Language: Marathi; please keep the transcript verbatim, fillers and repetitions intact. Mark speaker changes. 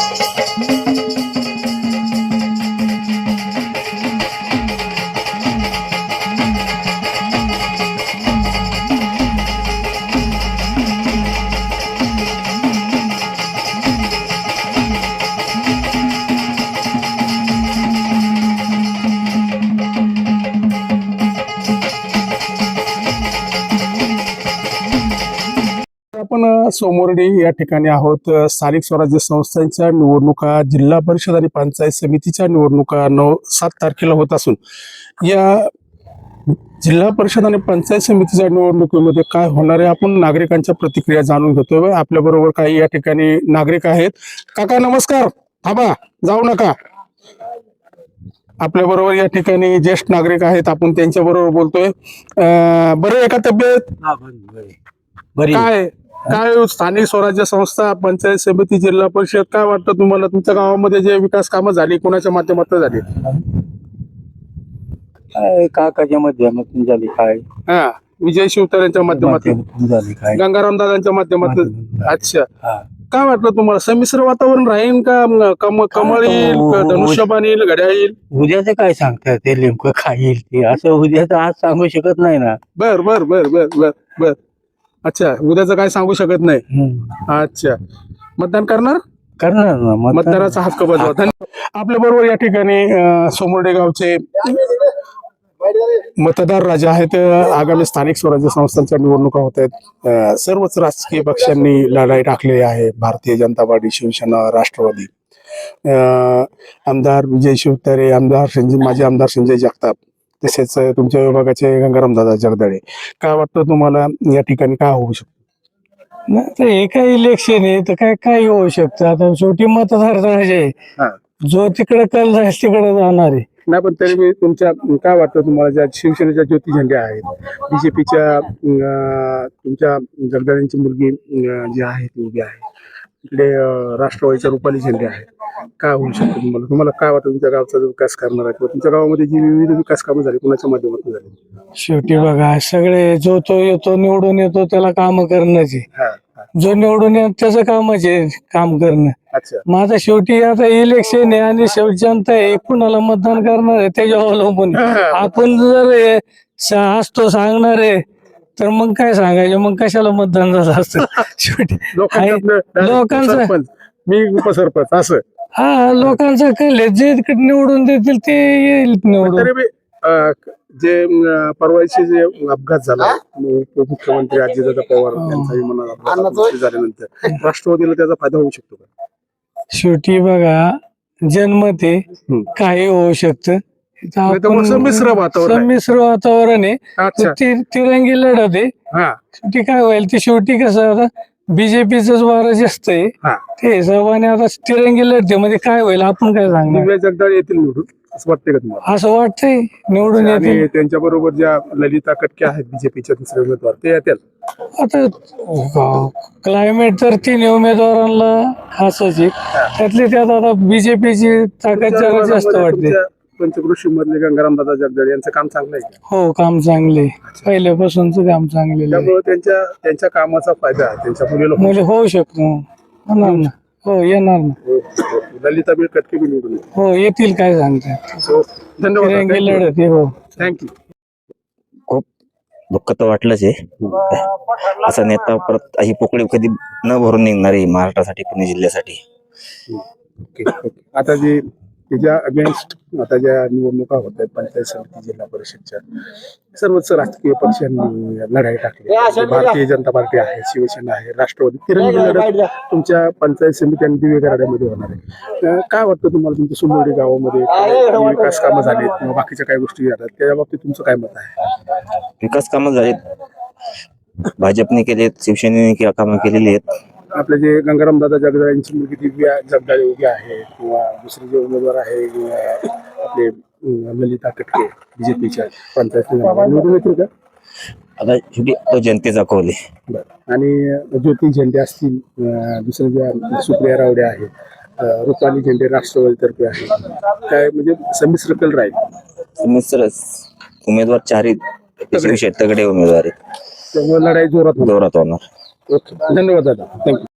Speaker 1: आपण सोमवर्डी या ठिकाणी आहोत. स्थानिक स्वराज्य संस्थांच्या निवडणुका, जिल्हा परिषद आणि पंचायत समितीच्या निवडणुका नऊ सात तारखेला होत असून या जिल्हा परिषद आणि पंचायत समितीच्या निवडणुकीमध्ये काय होणार आहे, आपण नागरिकांच्या प्रतिक्रिया जाणून घेतोय. आपल्या बरोबर काही या ठिकाणी नागरिक आहेत. काका नमस्कार. थांबा, जाऊ नका. आपल्या बरोबर या ठिकाणी ज्येष्ठ नागरिक आहेत, आपण त्यांच्या बरोबर बोलतोय. बरं आहे का तब्येत? काय काय स्थानिक स्वराज्य संस्था, पंचायत समिती, जिल्हा परिषद, काय वाटतं तुम्हाला? तुमच्या गावामध्ये जे विकास कामं झाली कोणाच्या माध्यमातून झाली?
Speaker 2: काय काकाच्या माध्यमातून झाली, काय
Speaker 1: हा विजय शिवतारेंच्या माध्यमातून
Speaker 2: झाली, काय
Speaker 1: गंगाराम दादांच्या माध्यमातून. अच्छा, काय वाटलं तुम्हाला? संमिश्र वातावरण राहील का? कम कमळ येईल, धनुष्यबाण येईल, घड्याळ येईल?
Speaker 2: उद्याचं काय सांगतात ते नेमकं काय येईल ते, असं उद्याचं आज सांगू शकत नाही ना.
Speaker 1: बर बर बर बर बर बर अच्छा, उद्याचं काय सांगू शकत नाही. अच्छा, मतदान करणार
Speaker 2: करणार ना,
Speaker 1: मतदाराचा हक्क बजावता. आपल्या बरोबर या ठिकाणी सोमवर्डी गावचे मतदार राजा आहेत. आगामी स्थानिक स्वराज्य संस्थांच्या निवडणुका होत आहेत. सर्वच राजकीय पक्षांनी लढाई टाकलेली आहे. भारतीय जनता पार्टी, शिवसेना, राष्ट्रवादी, आमदार विजय शिवतारे, आमदार संजय माजी आमदार संजय जगताप, तसेच तुमच्या विभागाचे गंगाराम दादा जगदाळे. काय वाटतं तुम्हाला या ठिकाणी काय होऊ शकतं?
Speaker 2: नाही तर हे काय इलेक्शन आहे तर काय काय होऊ शकतं. आता शेवटी मतदार राजे, जो तिकडे कल जाईल तिकडे जाणार आहे.
Speaker 1: नाही, पण तरी मी तुमच्या काय वाटतं तुम्हाला, ज्या शिवसेनेच्या ज्योती झेंडे आहेत, बीजेपीच्या तुमच्या जगदाळेंची मुलगी जी आहे ती उभी आहे, इकडे राष्ट्रवादीच्या रुपाली झेंडे आहेत, काय होऊ शकतं तुम्हाला? तुम्हाला काय वाटतं तुमच्या गावचा जो विकास करणार आहे, तुमच्या गावामध्ये जी विविध विकास कामं झाली कोणाच्या माध्यमातून झाली?
Speaker 2: शेवटी बघा, सगळे जो तो येतो निवडून येतो त्याला काम करणंच आहे. जो निवडून येतो त्याचं कामच आहे काम करणं.
Speaker 1: अच्छा,
Speaker 2: माझा शेवटी आता इलेक्शन आहे आणि शेवटी जनता आहे, कुणाला मतदान करणार आहे त्याच्यावर अवलंबून. आपण जर असतो सांगणार आहे तर मग काय सांगायचं, मग कशाला मतदान झालं असतं. शेवटी लोकांचं
Speaker 1: मी उपसरपंच असं,
Speaker 2: हा लोकांचं कळले, जे निवडून देतील ते येईल निवडून.
Speaker 1: जे परवाची जे अपघात झाला मुख्यमंत्री अजितदादा पवार यांचा विमानात झाल्यानंतर राष्ट्रवादीला त्याचा फायदा होऊ शकतो का?
Speaker 2: शेवटी बघा, जन्मत आहे, काही होऊ शकतं.
Speaker 1: संमिश्र वातावरण
Speaker 2: संमिश्र वातावरण आहे, तिरंगी लढत आहे. शेवटी काय होईल ते, शेवटी कसं आता बीजेपीच वारं जास्त आहे ते हिशोबाने आता तिरंगी लढतीमध्ये काय होईल आपण काय सांगणार.
Speaker 1: जगदाळे येतील निवडून असं वाटतंय का तुम्हाला?
Speaker 2: असं वाटतंय निवडून येतील.
Speaker 1: त्यांच्या बरोबर ज्या ललिता कटके आहेत बीजेपीच्या दुसरे उमेदवार, ते येतील.
Speaker 2: आता क्लायमेट तर तीन उमेदवारांना असंच आहे, त्यातली त्यात आता बीजेपीची ताकद जरा जास्त वाटते.
Speaker 1: पंचकृषी मधले गंगाराम दादा जगदाळे यांचं काम चांगलं आहे का?
Speaker 2: हो, काम चांगले, पहिल्यापासूनच काम चांगले.
Speaker 1: त्यामुळे त्यांच्या त्यांच्या कामाचा फायदा त्यांच्या मुलीला
Speaker 2: म्हणजे होऊ शकतो. होणार ना, हो येणार ना.
Speaker 1: ललिता बीळ कटके बी निवडून
Speaker 2: हो येतील, काय सांगतात.
Speaker 1: धन्यवाद.
Speaker 2: लढत हो,
Speaker 1: थँक्यू.
Speaker 3: खूप दुःख तर वाटलंच आहे. असा नेता परत अशी पोकळी कधी न भरून निघणार आहे महाराष्ट्रासाठी, पुणे जिल्ह्यासाठी.
Speaker 1: आता जे त्याच्या अगेन्स्ट आता ज्या निवडणुका होत आहेत पंचायत समिती, जिल्हा परिषदच्या, सर्वच राजकीय पक्षांनी लढाई टाकली. भारतीय जनता पार्टी आहे, शिवसेना आहे, राष्ट्रवादी, तिरंगी लढत तुमच्या पंचायत समिती आणि दिवे गराड्यामध्ये होणार आहे. काय वाटतं तुम्हाला? तुमच्या सोमवर्डी गावामध्ये विकास कामं झालीत किंवा बाकीच्या काही गोष्टी झाल्यात, त्या बाबतीत तुमचं काय मत आहे?
Speaker 3: विकास कामं झालीत, भाजपने केलेत, शिवसेनेने कामं केलेली आहेत.
Speaker 1: आपले जे गंगाराम दादा जगदाळेंची मुलगी दिव्या जगदाळे उभी आहे, किंवा दुसरे जे उमेदवार आहे आपले ललिता कटके बीजेपीच्या पंचायत निवडून येतील का?
Speaker 3: आता शेवटी तो जनतेचा कौल आहे.
Speaker 1: आणि ज्योती झेंडे असतील, दुसरे ज्या सुप्रिया रावडे आहेत, रुपाली झेंडे राष्ट्रवादीतर्फे आहे, काय म्हणजे संमिश्र कल राहील?
Speaker 3: संमिश्र उमेदवार चारही तगडे उमेदवार आहेत,
Speaker 1: त्यामुळे लढाई जोरात
Speaker 3: जोरात होणार.
Speaker 1: ओके, धन्यवाद दादा, थँक्यू.